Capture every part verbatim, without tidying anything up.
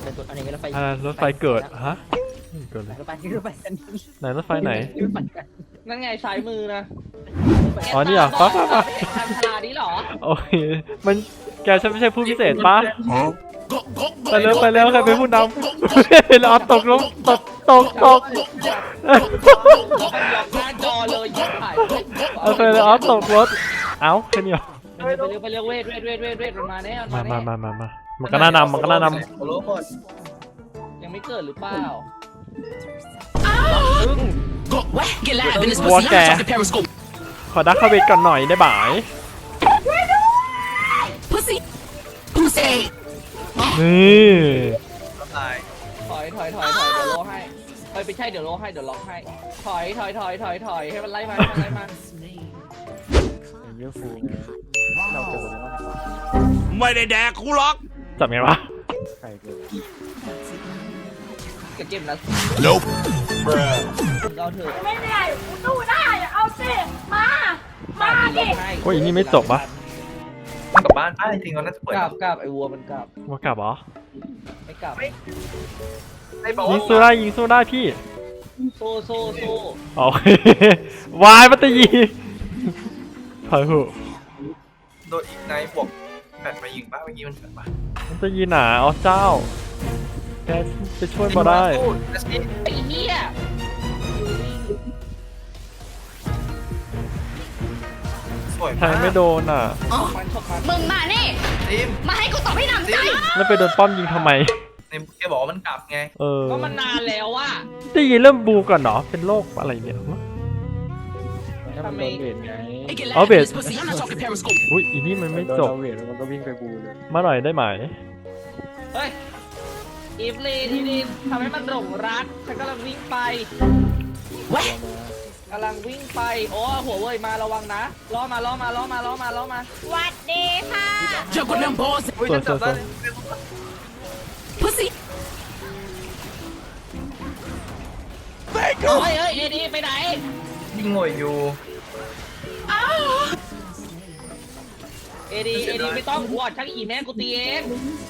ตัวอันนี้รถไฟอ่ารถไฟเกิดฮะเกิดเลยรถไฟรถไฟกันไหนรถไฟไหนนั่นไงซ้ายมือนะอ๋อนี่เหรอปั๊บปั๊บปั๊บทางฉลาดนี้เหรอโอเคมันแกใช่ไม่ใช่ผู้พิเศษปะไปเร็วไปเร็วใครเป็นผู้นำเราตกลงตกตกตกหน้าจอเลยยิบหายเอาไปเลยอ๋อตกรถเอ้าแค่นี้เหรอไปเร็วไปเร็วเวทเวทเวทเวทเวทมันมาแน่มันมามามาแน่มามามามันก็น่านำมันก็น่านำโลหมดยังไม่เกิดหรือเปล่า Get live in this What pussy. I'm the- talking periscope. ขอดักเข้าเวทก่อนหน่อยได้บ่าย Pussy. Pussy. นี่ก็ตายถอยถอยถอยถอยเดี๋ยวโลให้เฮ้ยไม่ใช่เดี๋ยวโลให้เดี๋ยวล็อกให้ถอยถอยถอยถอยถอยให้มันไล่มาให้มันไล่มาเรื่องฟูไงเราเจอแล้วว่าไม่ได้แดกกูหรอกจับไงวะใครเกิดกับเกมนะ Nope. เราเถอะไม่ได้กูสู้ได้อะเอาสิ มา มาดิโอ้ยอันนี้ไม่จบปะมันกลับบ้านป้าจริงๆเราน่าจะเปิดกลับกลับไอ้วัวมันกลับว่ากลับเหรอไม่กลับไม่บอกยิว่างสู้ได้ยิงสู้ได้พี่โซ่โซ่โซ่โอเควายมัตตยีถอยหูโดนอีกนายบวกแปดมายิงป้าเมื่อกี้มันเกิดปะมัตตยีหนาอ๋อเจ้าแกไปช่วยมาได้ไอ้เหี้ยสวยแทมากงไม่โดนอ่ะมันชกมันมึงมานี่ทีมมาให้กูตอบให้หนำใจแล้วไปโดนป้อมยิงทำไมในแกบอกว่ามันกลับไงเออก็มันนานแล้วอะได้ยินเริ่มบูก่อนเหรอเป็นโรคอะไรเนี่ยถ้ามันโดนเวทไง Hey, get I'll live in bet. this pussy. I'm not talking periscope. อุ้ยอีนี่มันไม่โดนจบเราเวทมันก็วิ่งไปบูเลยมาหน่อยได้ไหมเฮ้ยอีฟลีทีนี้ทำให้มันหลงรักฉันกำลังวิ่งไป What? กำลังวิ่งไปโอ้หัวเว่ยมาระวังนะล้อมาล้อมาล้อมาล้อมาล้อมาหวัดดีค่ะ Jump with them balls. อุ้ยจะจับได้ Pussy. เฮ้ยเฮ้ยเอดีไปไหนยิงงวยอยู่เอดีเอดีไม่ต้องวอดชักอีแม่กูตีเอง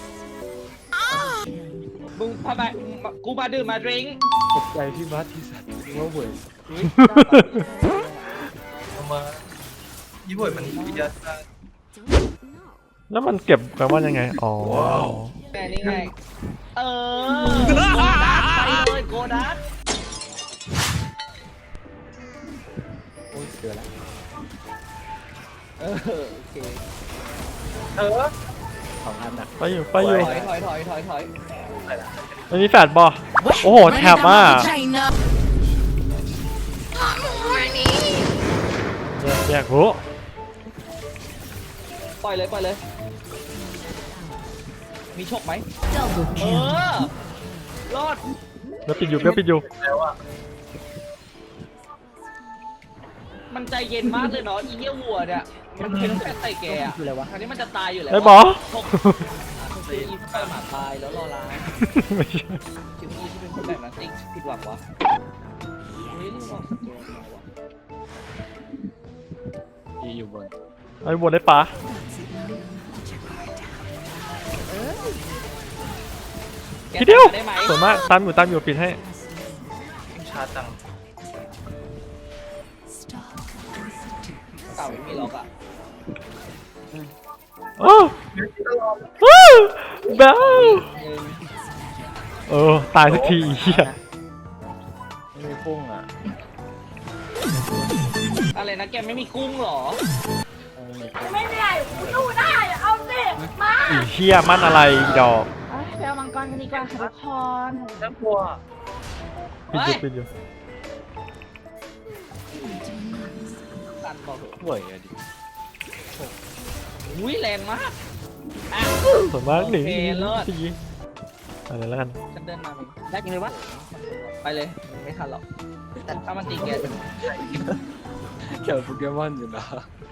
มึงพาไปกูมาดื่มมาดริงตกใจพี่บัสที่สัตว์ว่าเวทเอามายี่ห้อมันวิทยาศาสตร์แล้วมันเก็บแปลว่ายังไงอ๋อแม่นี่ไงเออโกดัสไปเลยโกดัสโอ้ยเจอแล้วเออโอเคเออสองอันอ่ะไปอยู่ไปอยู่ถอยถอยถอยถอยถอยอันนี้แฟดบอโอ้โหแถบอ่ะ China. แยกแยกรู้ปล่อยเลยปล่อยเลยมีโชคไหมเออรอดแล้วปิดอยู่แล้วปิดอยู่แล้วอ่ะมันใจเย็นมากเลยเนาะอีเหี้ยวัวเนี่ยมันเป็นแค่ไต่แกอ่ะคืออะไรวะอันนี้มันจะตายอยู่แล้วไอ้บอชกคืออีฟหมาตายแล้วรอล้างไม่ใช่คิวอีที่เป็นคนแบบนั้นติ๊กผิดหวังวะเฮ้ยนี่บอกสเกลมาวะที่อยู่บนไอ้บนได้ปะแกทีเดียวได้ไหมส่วนมากตามอยู่ตามอยู่ปิดให้ชาจังเก่าไม่มีล็อกอ่ะโอ้โอ้เบลหนึ่งเออตายสักทีไอ้เหี้ยไม่มีพุ่งอ่ะอะไรนะแกไม่มีกุ้งเหรอเออไม่มีพุ่งไม่ได้กูสู้ได้อะเอาสิ มาไอ้เหี้ยมันอะไรอีดอกไปเอามังกรกันดีกว่าค่ะทุกคนน่ากลัวปิดอยู่ปิดอยู่ตันบอกเถอะเวยอะดิอุ้ยแรงมากอ่ะส่วนมากหนีโอเคเลิศทีอะไรแล้วกันฉันเดินมาเองแรกยังเลยวะไปเลยไม่ทันหรอกถ้ามันตีแกจะเกี่ยวกับโปเกมอนอยู่นะ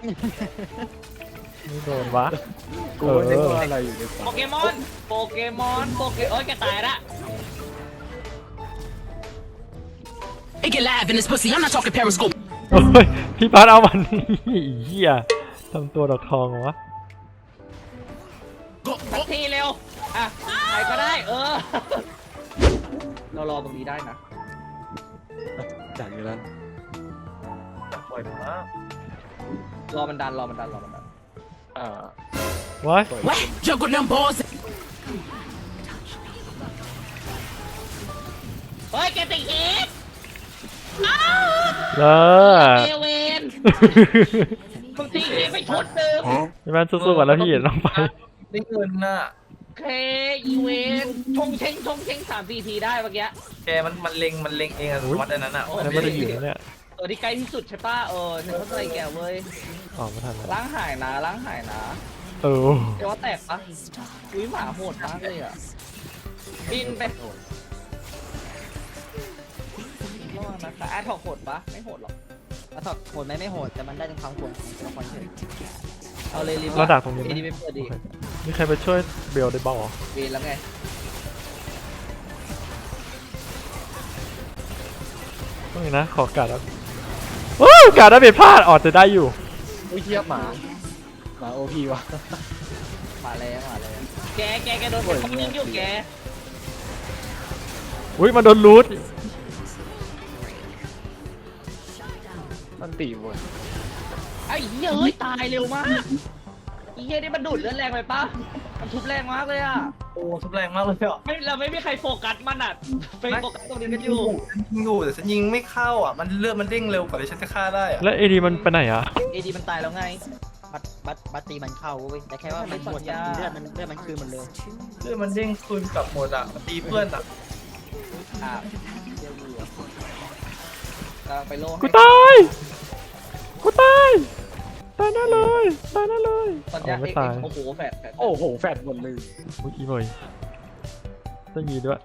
ไม่โดนวะกูไม่ได้ว่าอะไรอยู่ในฝัโปนเกมอนโปเกมอนโปเกโอ้ยแกตายละ Hey, get live in this pussy. I'm not talking periscope. โอ้ยพี่พัดเอามันนี่เหี้ยทำตัวดอกทองเหรอวะสักทีเร็วอ่ะใครก็ได้เออเรารอตรงนี้ได้นะจัดอยู่แล้วปล่อยมารอมันดันรอมันดันรอมันดันอ่าว้าย What? Juggle them balls. เฮ้ยแกติดอีกเออเอเวนมึงตีอีกไปชุดหนึ่งพี่แมนสู้ๆก่อนแล้วพี่น้องไปได้เงินน่ะเคอีเวนชงเชงชงเชงสามสี่ทีได้เมื่อกี้แกมันมันเล็งมันเล็งเองอะวัดอันนั้นอ่ะแล้วไม่ได้อยู่แล้วเนี่ยตัวที่ใกล้ที่สุดใช่ป่ะเออฉันเข้าใจแกเว้ยออกไม่ทันแล้วล้างหายนะล้างหายนะเออเดี๋ยวว่าแตกปะอุ้ยหมาโหดมากเลยอ่ะบินไประวังนะคะแอดถอกโหดปะไม่โหดหรอกแล้วถอดโหดไหมไม่โหดแต่มันได้ถึงความโหดของตัวละครเฉยเอาเลยรีบเราดักตรงนี้ดีไหมไปเปิดดีมีใครไปช่วยเบลได้บ้างเหรอเวนแล้วไงต้องนะขอการแล้วว้าวการได้ไปพลาดออกจะได้อยู่อุ้ยเทียบหมาหมาโอพีวะมาแล้วมาแล้วแกแกแกโดนคนยิงอยู่แกอุ้ยมาโดนรูทมันตีหมดไอ้เหี้ยเฮ้ยตายเร็วมากไอ้เหี้ยนี่มันดูดเลือดแรงไปปะมันทุบแรงมากเลยอ่ะโอ้ทุบแรงมากเลยอ่ะไม่เราไม่มีใครโฟกัสมันอ่ะไปโฟกัสตรงนี้กันอยู่ยิงอยู่แต่ฉันยิงไม่เข้าอ่ะมันเลือดมันเด้งเร็วกว่าที่ฉันจะฆ่าได้อ่ะแล้วเอดีมันไปไหนอ่ะเอดีมันตายแล้วไงบัตบัตบัตตีมันเข้าเว้ยแต่แค่ว่ามันหมดยาเลือดมันเลือดมันคืนหมดเลยเลือดมันเด้งคืนกลับหมดอ่ะมันตีเพื่อนอ่ะอ่ะเดี๋ยวดูอ่ะกำลังไปโล่กูตายกูตายตายแน่เลยตายแน่เลยตอนนี้อ๋อไม่เอ็กตายโอ้โหแฟดแฟดโอ้โหแฟดหมดเลยอุ้ยอีเมยจะมีด้วย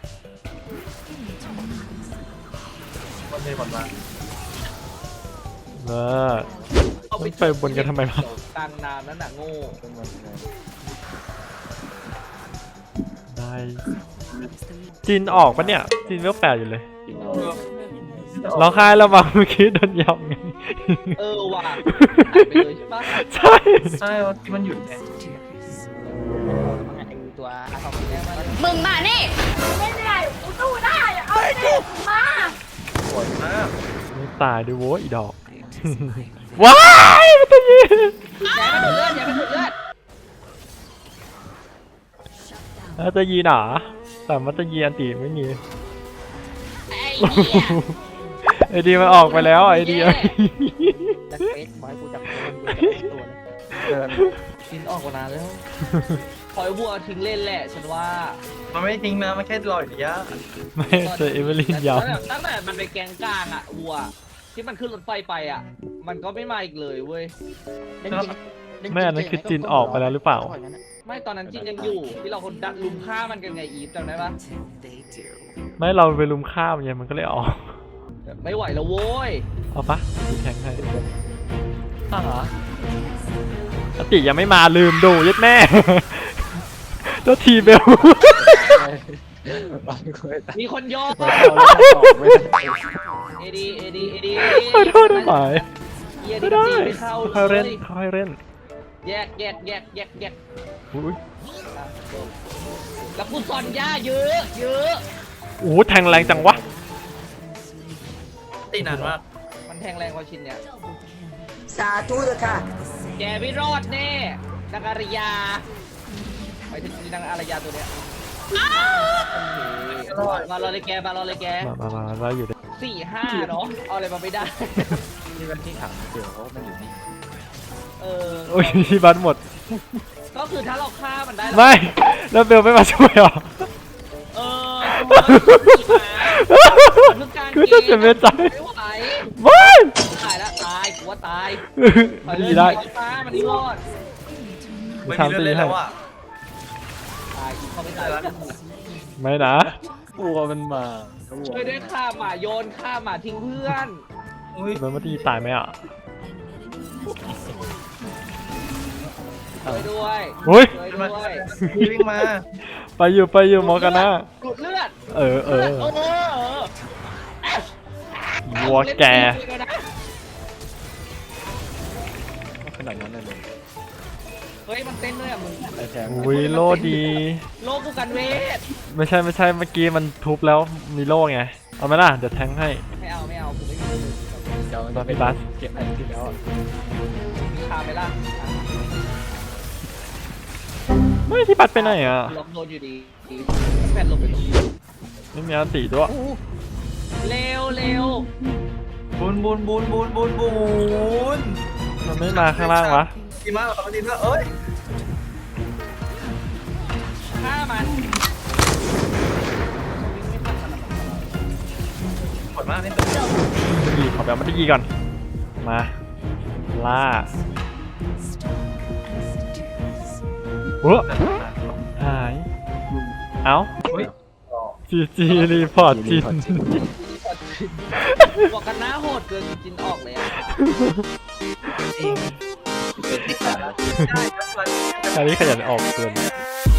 มันเลยก่อนมาเออต้องไปบนกันทำไมวะกลางน้ำนั่นน่ะโง่เป็นวันไงได้จีนออกปะเนี่ยจีนเวลแปดอยู่เลยกินเอาเราคายเรามาเมื่อกี้โดนยำไงเออว่ะหายไปเลยใช่ปะใช่ใช่ว่ามันหยุดไงมันอาจจะมีตัวอาทอมแม่มาเลยมึงมานี่ไม่ได้กูสู้ได้อะเอาสิมาสวยมากไม่ตายด้วยโว้ยอีดอก ว้ายมันจะยิงอย่าให้มันดูดเลือดอย่าให้มันดูดเลือดแล้วจะยีหนาแต่มันจะยีอันตีไม่มีไอ้เหี้ยไอดีมันออกไปแล้วไอเดียแบ็คเฟสบอยกูจับตัวมันกูจับตัวเลยเดินชินออกกว่านานแล้วปล่อยบัวทิ้งเล่นแหละฉันว่ามันไม่ทิ้งนะมันแค่รออยู่ระยะไม่เจอเอเวอร์ลินยาวตั้งแต่ตั้งแต่มันไปแกงกลางอะวัวที่มันขึ้นรถไฟไปอะมันก็ไม่มาอีกเลยเว้ยเล่นจริงเล่จริงไม่อันนั้นคือจีนออกไปแล้วหรือเปล่าไม่ตอนนั้นจินยังอยู่ที่เราคนดักลุมฆ่ามันกันไงอีฟจำได้ปะไม่เราไปลุมข้ามไงมันก็เลยออกไม่ไหวแล้วโว้ยเอาปะมีแข่งให้อ่าฮะอติยังไม่มาลืมดูยัดแม่ แล้วทีเบลบางคนมีคนโยกไม่เอาแล้วออกไม่ได้เอดีเอดีเอดีขอโทษได้ไหมเฮียไม่นี่ได้จีไม่เข้าค่อยเลเล่นยค่อยเล่นแยกแยกแยกแยกแยกอุ้ยแล้วกูสอนย่าเยอะเยอะโอ้โหแทงแรงจังวะตีนานมากมันแทงแรงกว่าชินเนี่ยสาธุเลยค่ะแกไม่รอดแน่นางอารยาไปถึงนางอารยาตัวเนี้ยมารอเลยแกมารอเลยแกมามามาเราอยู่ด้วยสี่ห้าเนาะเอาอะไรมาไม่ได้นี่มันที่ขังเดี๋ยวเขามันอยู่นี่เออโอ้ยที่บันหมดก็คือถ้าเราฆ่ามันได้ไม่ แล้วเบลไม่มาช่วยหรอเออคือการคือจะเสียเวรใจไม่ไหวไม่ตายแล้วตายกูว่าตายดีได้ตายมันรอดไม่ทำมีเลือดตีเลยให้แล้วอ่ะตายอีกเขาไม่ตายแล้วไม่นะกลัวมันมาช่วยด้วยฆ่าหมาโยนฆ่าหมาทิ้งเพื่อนอุ้ยโดนมาตีตายไหมอ่ะช่วยด้วยอุ้ยช่วยมาด้วยวิ่งมาไปอยู่ไปอยู่มอกันนะดูดเลือดเออเออเออเออวัวแกขนาดนั้นเลยเฮ้ยมันเต้นด้วยอ่ะมึงไอ้แทงอุ้ยโล่ดีโลกูกันเวทไม่ใช่ไม่ใช่เมื่อกี้มันทุบแล้วมีโล่ไงเอาไหมล่ะเดี๋ยวแทงให้ไม่เอาไม่เอากูไม่มีเดี๋ยวตอนพี่บัสเก็บอันที่แล้วอะมีชาไหมล่ะไม่ที่บัสไปไหนอ่ะล็อกโดนอยู่ดีแฟนลงไปตรงนี้ไม่มีอันติด้วยเร็วเร็วบุญบุญบุญบุญบุญบุญมันไม่มาข้างล่างวะดีมากครับดีมากเอ้ยฆ่ามันหมดมากนี่เป็นยีขอแบบมันได้ยีก่อนมาล่าเฮ้ยหายเอ้าเฮ้ยจีจีรีพอร์ตจินบวกกันหน้าโหดเกินจินออกเลยอ่ะจริงเป็นที่สาระได้ครับคราวนี้ขยันออกเกิน I